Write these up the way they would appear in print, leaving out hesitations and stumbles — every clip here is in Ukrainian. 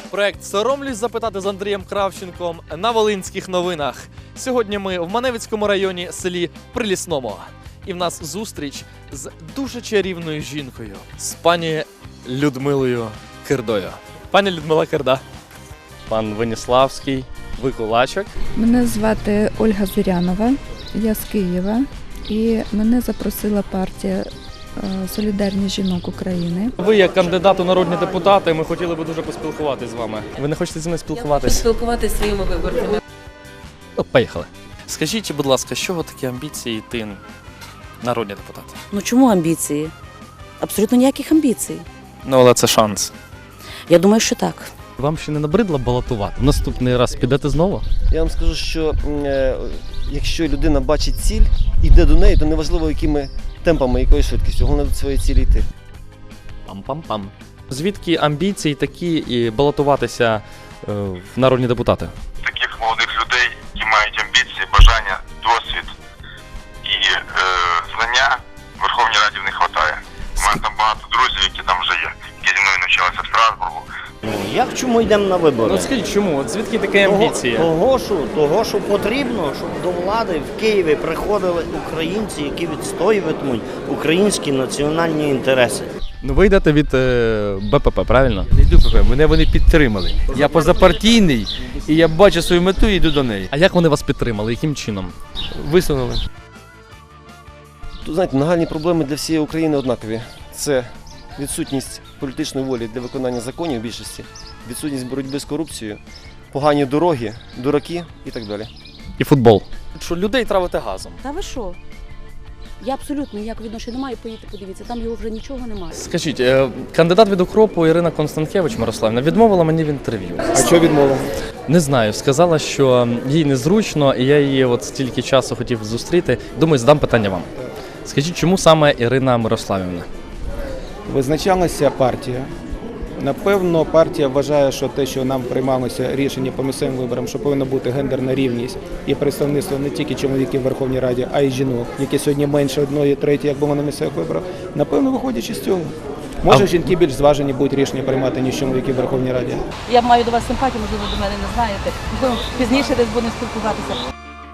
Проект «Соромлюсь запитати» з Андрієм Кравченком на Волинських новинах. Сьогодні ми в Маневицькому районі, селі Прилісному. І в нас зустріч з дуже чарівною жінкою, з пані Людмилою Кирдою. Пані Людмила Кирда. Пан Веніславський, ви кулачок. Мене звати Ольга Зирянова, я з Києва, і мене запросила партія «Солідарність жінок України». Ви як кандидат у народні депутати, ми хотіли би дуже поспілкуватися з вами. Ви не хочете зі мною спілкуватися? Спілкуватися зі своїми виборцями. Ну, поїхали. Скажіть, будь ласка, з чого такі амбіції йти народні депутати? Ну чому амбіції? Абсолютно ніяких амбіцій. Ну, але це шанс. Я думаю, що так. Вам ще не набридло балотувати? Наступний раз підете знову? Я вам скажу, що якщо людина бачить ціль, йде до неї, то неважливо, якими темпами, якою швидкістю, головне до своєї цілі йти. Пам-пам-пам. Звідки амбіції такі і балотуватися в народні депутати? Таких молодих людей, які мають амбіції, бажання, досвід і знання в Верховній Раді в них вистачає. У мене там багато друзів, які там вже є, які зі мною навчалися в Страсбургу. Як чому йдемо на вибори? Ну скажіть, чому? От звідки такі амбіції? Того, що потрібно, щоб до влади в Києві приходили українці, які відстоюватимуть українські національні інтереси. Ну ви йдете від БПП, правильно? Не йду ПП, мене вони підтримали. Я позапартійний і я бачу свою мету і йду до неї. А як вони вас підтримали? Яким чином? Висунули. Тут, знаєте, нагальні проблеми для всієї України однакові. Це відсутність політичної волі для виконання законів в більшості, відсутність боротьби з корупцією, погані дороги, дураки і так далі. І футбол. Що людей травити газом. Та ви що? Я абсолютно ніякого відношення не маю, поїдьте, подивіться, там його вже нічого немає. Скажіть, кандидат від укропу Ірина Констанкевич Мирославівна відмовила мені в інтерв'ю. А що відмовила? Не знаю, сказала, що їй незручно, і я її от стільки часу хотів зустріти. Думаю, задам питання вам. Скажіть, чому саме Ірина Мирославівна? Визначалася партія. Напевно, партія вважає, що те, що нам приймалося рішення по місцевим виборам, що повинна бути гендерна рівність і представництво не тільки чоловіків в Верховній Раді, а й жінок, які сьогодні менше 1/3, як було на місцевих виборах. Напевно, виходячи з цього. Може, жінки більш зважені будуть рішення приймати, ніж чоловіки в Верховній Раді. Я маю до вас симпатію, можливо, до мене не знаєте. Можливо, пізніше десь будемо спілкуватися.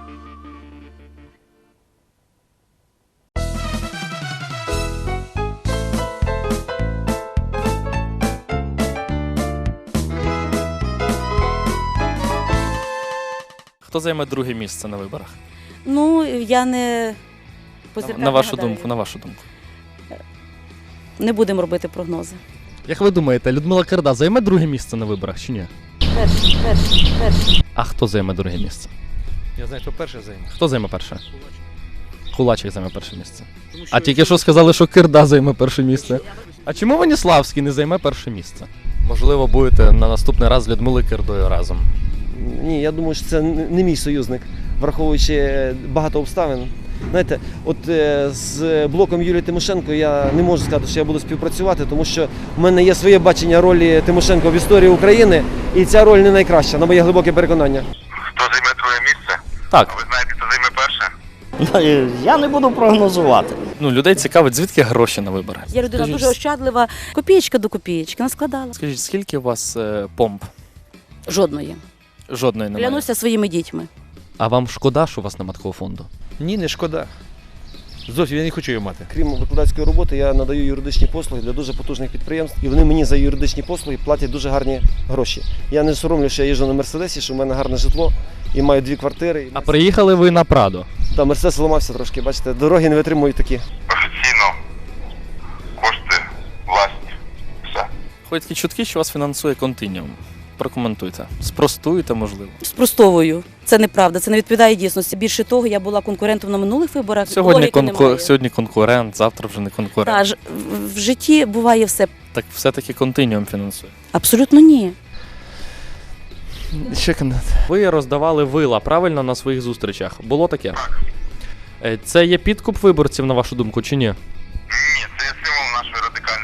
Хто займе друге місце на виборах? Ну, я не На вашу думку. Не будемо робити прогнози. Як ви думаєте, Людмила Кирда займе друге місце на виборах чи ні? Перший. А хто займе друге місце? Я знаю, хто перше займе. Хто займе перше? Кулачик займе перше місце. А тільки що сказали, що Кирда займе перше місце. А чому Веніславський не займе перше місце? Можливо, будете на наступний раз з Людмилою Кирдою разом. Ні, я думаю, що це не мій союзник, враховуючи багато обставин. Знаєте, от з блоком Юлії Тимошенко я не можу сказати, що я буду співпрацювати, тому що в мене є своє бачення ролі Тимошенко в історії України, і ця роль не найкраща, на моє глибоке переконання. Хто займе друге місце? Так. А ви знаєте, хто займе перше? Я не буду прогнозувати. Ну, людей цікавить, звідки гроші на вибори. Я людина Скажіть, дуже ощадлива. Копієчка до копієчки наскладала. Скажіть, скільки у вас помп? Жодної. Жодної немає. Клянуся своїми дітьми. А вам шкода, що у вас немає такого фонду? Ні, не шкода. Зовсім я не хочу його мати. Крім викладацької роботи, я надаю юридичні послуги для дуже потужних підприємств, і вони мені за юридичні послуги платять дуже гарні гроші. Я не соромлю, що я їжджу на Мерседесі, що в мене гарне житло, і маю 2 квартири. А приїхали ви на Прадо. Та Мерседес зламався трошки, бачите, дороги не витримують такі. Офіційно кошти власні. Все. Ходять такі чутки, що вас фінансує Континіум. Прокоментуйте. Спростуйте, можливо. Спростовую. Це неправда, це не відповідає дійсності. Більше того, я була конкурентом на минулих виборах. Логіки немає. Сьогодні конкурент, завтра вже не конкурент. Та, в житті буває все. Так все-таки Континіум фінансує. Абсолютно ні. Ще кандидат. Ви роздавали вила, правильно, на своїх зустрічах? Було таке? Це є підкуп виборців, на вашу думку, чи ні? Ні, це є символ нашої радикальної партії.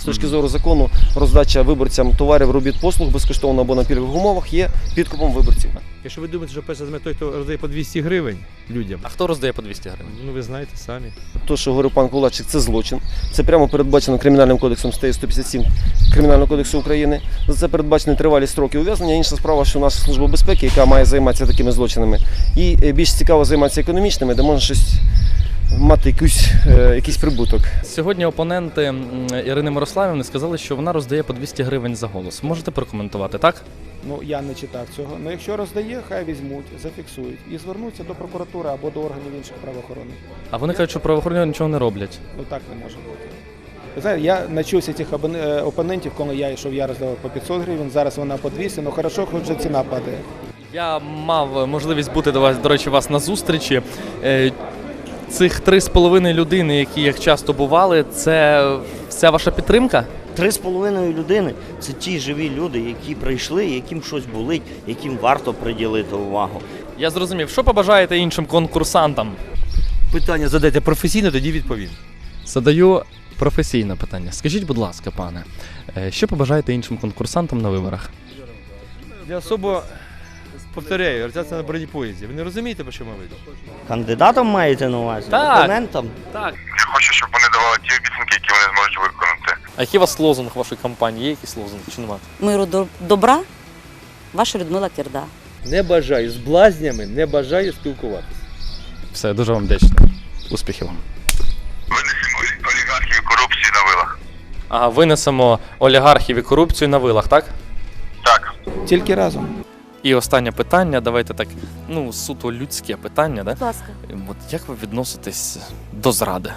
з точки зору закону роздача виборцям товарів, робіт, послуг безкоштовно або на пільгових умовах є підкупом виборців. Якщо ви думаєте, що перше той, хто роздає по 200 гривень людям, А хто роздає по 200 гривень? ну ви знаєте самі. То, що говорив пан Кулачик, це злочин. Це прямо передбачено Кримінальним кодексом статті 157 Кримінального кодексу України. За це передбачені тривалі строки ув'язнення. Інша справа, що наша служба безпеки, яка має займатися такими злочинами, і більш цікаво займатися економічними, де можна щось мати якийсь прибуток. Сьогодні опоненти Ірини Мирославівни сказали, що вона роздає по 200 гривень за голос. Можете прокоментувати, так? Ну, я не читав цього. Ну, якщо роздає, хай візьмуть, зафіксують і звернуться до прокуратури або до органів інших правоохоронних. А вони кажуть, що правоохоронні нічого не роблять. Ну, так не може бути. Ви знаєте, я навчився цих опонентів, коли я йшов, я роздавав по 500 гривень, зараз вона по 200, ну хорошо, хоч вже ціна падає. Я мав можливість бути до речі, вас на зустрічі. Цих 3,5 людини, які як часто бували, це вся ваша підтримка? 3,5 людини – це ті живі люди, які прийшли, яким щось болить, яким варто приділити увагу. Я зрозумів. Що побажаєте іншим конкурсантам? Питання задайте професійно, тоді відповім. Задаю професійне питання. Скажіть, будь ласка, пане, що побажаєте іншим конкурсантам на виборах? Я особо повторяю, реалізація на бронепоїзді. Ви не розумієте, про що ми ведемо? Кандидатам маєте на увазі? Так. Опонентам? Так. Я хочу, щоб вони давали ті обіцянки, які вони зможуть виконати. А який у вас лозунг вашої кампанії? Є якийсь лозунг чи немає? Миру добра, ваша Людмила Кірда. Не бажаю з блазнями, не бажаю спілкуватися. Все, дуже вам вдячний. Успіхів вам. Винесемо олігархів і корупції на вилах. Ага, винесемо олігархів і корупцію на вилах, так? Так. Тільки разом. І останнє питання, давайте так, суто людське питання, да? Будь ласка. От як ви відноситесь до зради?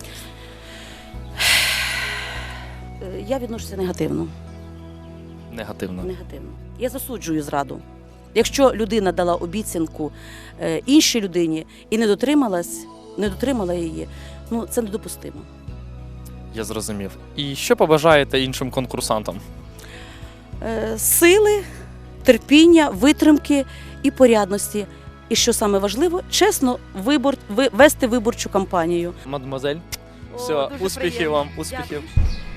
Я відношуся негативно. Негативно. Негативно. Я засуджую зраду. Якщо людина дала обіцянку іншій людині і не дотримала її, ну це недопустимо. Я зрозумів. І що побажаєте іншим конкурсантам? Сили, терпіння, витримки і порядності. І що саме важливо, чесно вести виборчу кампанію. Мадемуазель, все, дуже успіхів приємно. вам, успіхів. Дякую.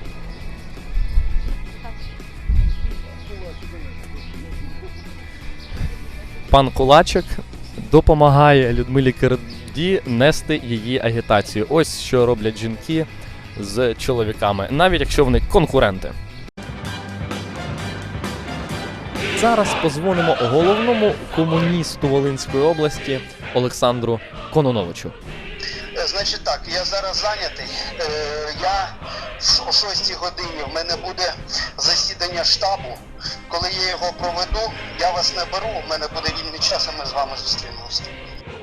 Пан Кулачик допомагає Людмилі Кірді нести її агітацію. Ось що роблять жінки з чоловіками, навіть якщо вони конкуренти. Зараз позвонимо головному комуністу Волинської області Олександру Кононовичу. Значить так, я зараз зайнятий. Я о 6 годині в мене буде засідання штабу. Коли я його проведу, я вас наберу, в мене буде вільний час, а ми з вами зустрінемося.